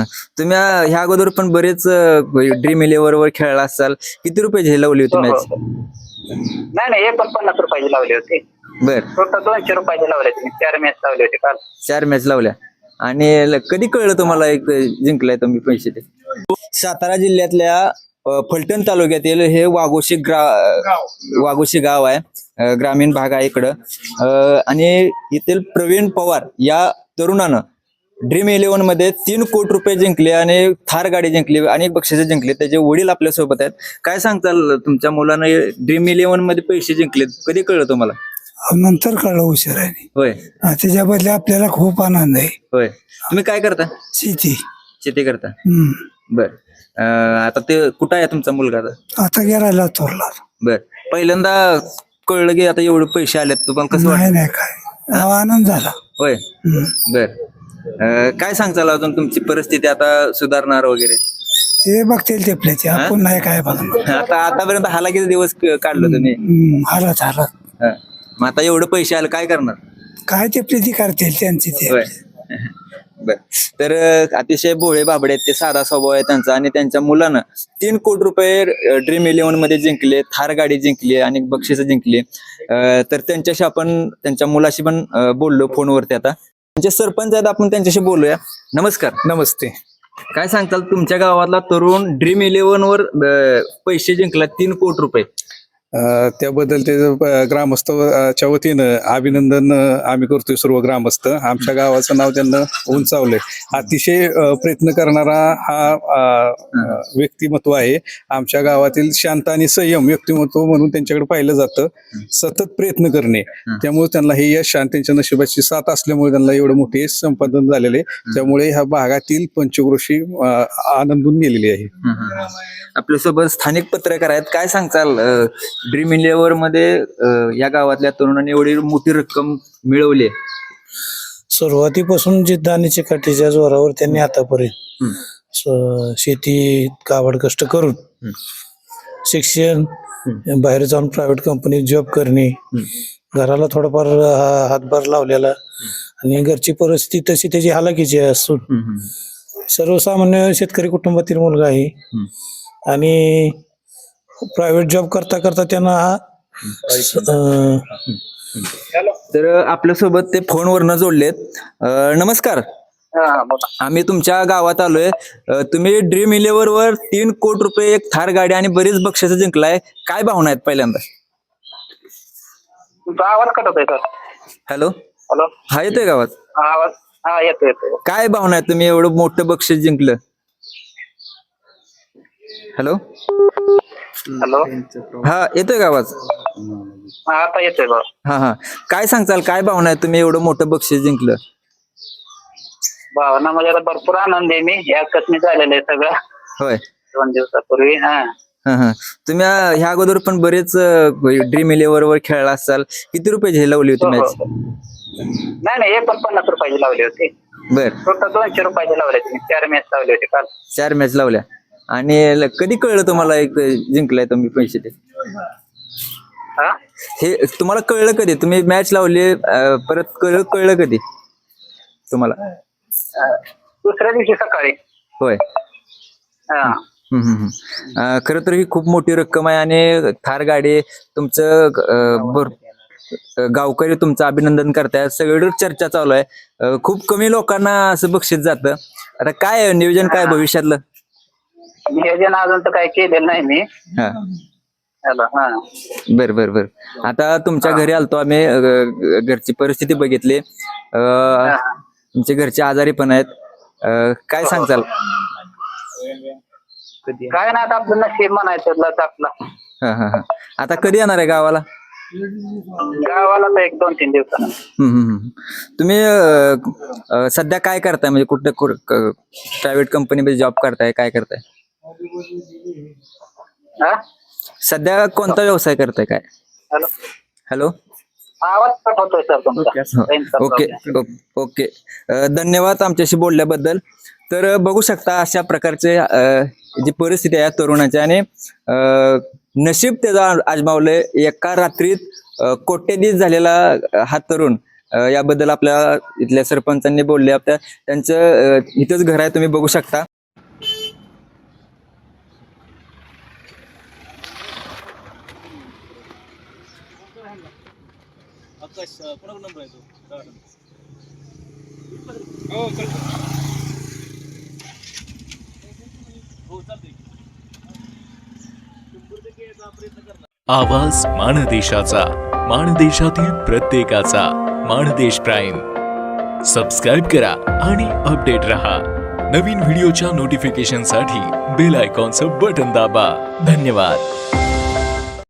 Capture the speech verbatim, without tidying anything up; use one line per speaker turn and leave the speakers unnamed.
तुम्ही अं, ह्या अगोदर पण बरेच ड्रीम इलेव्हन वर खेळला असाल. किती रुपयाची लावली होती
हो, हो,
मॅच?
हो. नाही नाही एकोणपन्नास रुपयाची लावली होती.
बर,
टोटल दोनशे रुपयाची लावली होती. चार मॅच लावली होती काल.
चार मॅच लावल्या. आणि ल- कधी कळलं तुम्हाला एक जिंकलाय तुम्ही पैसे ते? सातारा जिल्ह्यातल्या अं, फलटण तालुक्यातील हे वाघोशी ग्रा वाघोशी गाव आहे. अं, ग्रामीण भाग आहे इकडं. अं, आणि येथील प्रवीण पवार या तरुणानं ड्रीम इलेव्हन मध्ये तीन कोटी रुपये जिंकले आणि थार गाडी जिंकली, अनेक बक्षिसे जिंकले. त्याचे वडील आपल्या सोबत आहेत. काय सांगताल तुमच्या मुलानं ड्रीम इलेव्हन मध्ये पैसे जिंकलेत? कधी कळलं तुम्हाला?
नंतर कळलं उशिराने.
होय
हा, त्याच्याबद्दल आपल्याला खूप आनंद आहे.
होय. तुम्ही काय करता?
शेती.
शेती करता.
हम्म.
बर. अं, आता ते कुठं आहे तुमचा मुलगा आता?
आता गेला लातूरला.
बर. पहिल्यांदा कळलं की आता एवढे पैसे आलेत, तुम्हाला कसं
नाही
वाटलं?
नाही काय हा, आनंद झाला.
होय.
हम्म.
बर. अं, काय सांगताल अजून तुमची परिस्थिती आता सुधारणार वगैरे?
ते बघतील ते आपल्याचे, आपण नाही काय बघणार.
आता आतापर्यंत हाला किती दिवस क- काढलं तुम्ही?
हम्म, हालत हालत
हं. मग आता एवढे पैसे आले काय करणार?
काय ते आपले ते करतील त्यांचे ते.
होय. बर. तर अं, अतिशय भोळे बाबडे आहेत ते, साधा स्वभाव आहे त्यांचा. आणि त्यांच्या मुलानं तीन कोटी रुपये ड्रीम इलेव्हन मध्ये जिंकले, थार गाडी जिंकली आणि बक्षिसं जिंकली. अं, तर त्यांच्याशी आपण त्यांच्या मुलाशी पण अं, बोललो फोनवरती. आता त्यांचे सरपंच आहेत, आपण त्यांच्याशी बोलूया. नमस्कार.
नमस्ते.
काय सांगताल तुमच्या गावातला तरुण ड्रीम इलेव्हन वर अं, पैसे जिंकला तीन कोटी रुपये?
अ, त्याबद्दल ते ग्रामस्थच्या वतीनं अभिनंदन अ, आम्ही करतोय सर्व ग्रामस्थ. आमच्या गावाचं नाव त्यांना उंचावलंय. अतिशय अ, प्रयत्न करणारा हा अ, अ, व्यक्तिमत्व आहे. आमच्या गावातील शांत आणि संयम व्यक्तिमत्व म्हणून त्यांच्याकडे पाहिलं जातं. सतत प्रयत्न करणे, त्यामुळे त्यांना हे यश आणि त्यांच्या नशिबाची साथ असल्यामुळे त्यांना एवढं मोठे यश संपादन झालेले. त्यामुळे ह्या भागातील पंचक्रोशी अ, आनंदून गेलेली आहे.
आपल्यासोबत स्थानिक पत्रकार आहेत. काय सांगताल ड्रीम इलेव्हन मध्ये अं, या गावातल्या तरुणांनी एवढी मोठी रक्कम मिळवली?
सुरुवातीपासून जिद्द आणि चिकाटीच्या जोरावर त्यांनी आतापर्यंत
हम्म.
स- शेती काबड कष्ट करून शिक्षण, बाहेर जाऊन प्रायव्हेट कंपनीत जॉब करणे, घराला थोडाफार हा- हातभार लावलेला आणि घरची परिस्थिती तशी त्याची हालाकीची असून सर्वसामान्य शेतकरी कुटुंबातील मुलगा आहे. आणि प्रायव्हेट जॉब करता करता त्यांना हा अं,
तर आपल्यासोबत ते फोनवरनं जोडलेत. अं, नमस्कार.
हा, हा, बोला.
आम्ही तुमच्या गावात आलोय. अं, तुम्ही ड्रीम इलेव्हन वर तीन कोटी रुपये, एक थार गाडी आणि बरीच बक्षिसं जिंकलाय. काय भावना आहेत पहिल्यांदा?
तुमचा आवाज कट होतोय सर.
Hello,
hello.
हा येतोय गावात?
हा, आवाज हा येतो येतो.
काय भावना आहे, तुम्ही एवढं मोठं बक्षीस जिंकलं? Hello,
hello.
हा येतोय का आवाज?
हा, आता येतोय बघ.
हा हा काय सांगताल, काय भावना आहे, तुम्ही एवढं मोठं बक्षीस जिंकलं?
भावना म्हणजे आता भरपूर आनंद आहे. मी या कसमी झालेलं आहे सगळं
होय.
दोन दिवसापूर्वी. हा.
हा हा तुम्ही अं, ह्या अगोदर पण बरेच ड्रीम इलेव्हन वर खेळला असाल. किती रुपयाची लावली होती
हो, हो,
मॅच?
हो. नाही नाही एकोणपन्नास रुपयाची लावली होती.
बर.
टोटल दोनशे रुपयाची लावली होती. चार मॅच लावली होती काल.
चार मॅच लावल्या. आणि ल- कधी कळलं तुम्हाला एक जिंकलाय तुम्ही पैसे ते?
हा.
हे तुम्हाला कळलं कधी? तुम्ही मॅच लावली अं, परत कळलं कळलं कधी तुम्हाला?
अं, दुसऱ्या दिवशी सकाळी.
होय.
हा.
हम्म, हम्म, हम्म. अं, खरं तर ही खूप मोठी रक्कम आहे. आणि थार गाडी तुमचं अं, भर अं, गावकरी तुमचं अभिनंदन करतायत. सगळीकडे चर्चा चालू आहे. अं, खूप कमी लोकांना असं बक्षीस जातं. आता काय आहे नियोजन, काय भविष्यातलं?
नियोजन अजून तर काही केलेलं नाही मी.
हा
हॅलो. हा.
बर बर बर आता तुमच्या घरी आलतो आम्ही. अं, घरची परिस्थिती बघितली. अं,
हा.
तुमचे घरचे आजारी पण आहेत. अं, काय सांगताल?
काय नाही आता आपलं नशीब म्हणायचं लस आपला.
हा हा हा आता कधी येणार आहे गावाला?
गावाला तर एक दोन तीन दिवसानं.
हम्म, हम्म, हम्म. तुम्ही अं, अं, सध्या काय करताय, म्हणजे कुठं प्रायव्हेट कंपनीमध्ये जॉब करताय, काय करताय
हा.
सध्या? कोणता व्यवसाय करताय काय?
हॅलो.
हॅलो.
आवाज कट होतोय सर तुमचा. रेंजचा
ओके
problem.
ओ- ओके अं, धन्यवाद आमच्याशी बोलल्याबद्दल. तर अं, बघू शकता अशा प्रकारचे अं, जी परिस्थिती आहे या तरुणाची. आणि अं, नशीब त्याचा आजमावलंय. एका रात्रीत अं, कोट्यधीश झालेला अं, हा तरुण अ, याबद्दल आपल्या इथल्या सरपंचांनी बोलले. आपल्या त्यांचं अ, इथंच घर आहे, तुम्ही बघू शकता.
आवाज माणदेशाचा, माणदेशातील प्रत्येकाचा. माणदेश प्राईम सबस्क्राईब करा आणि अपडेट रहा. नवीन व्हिडिओच्या नोटिफिकेशनसाठी बेल आयकॉनचं बटन दाबा. धन्यवाद.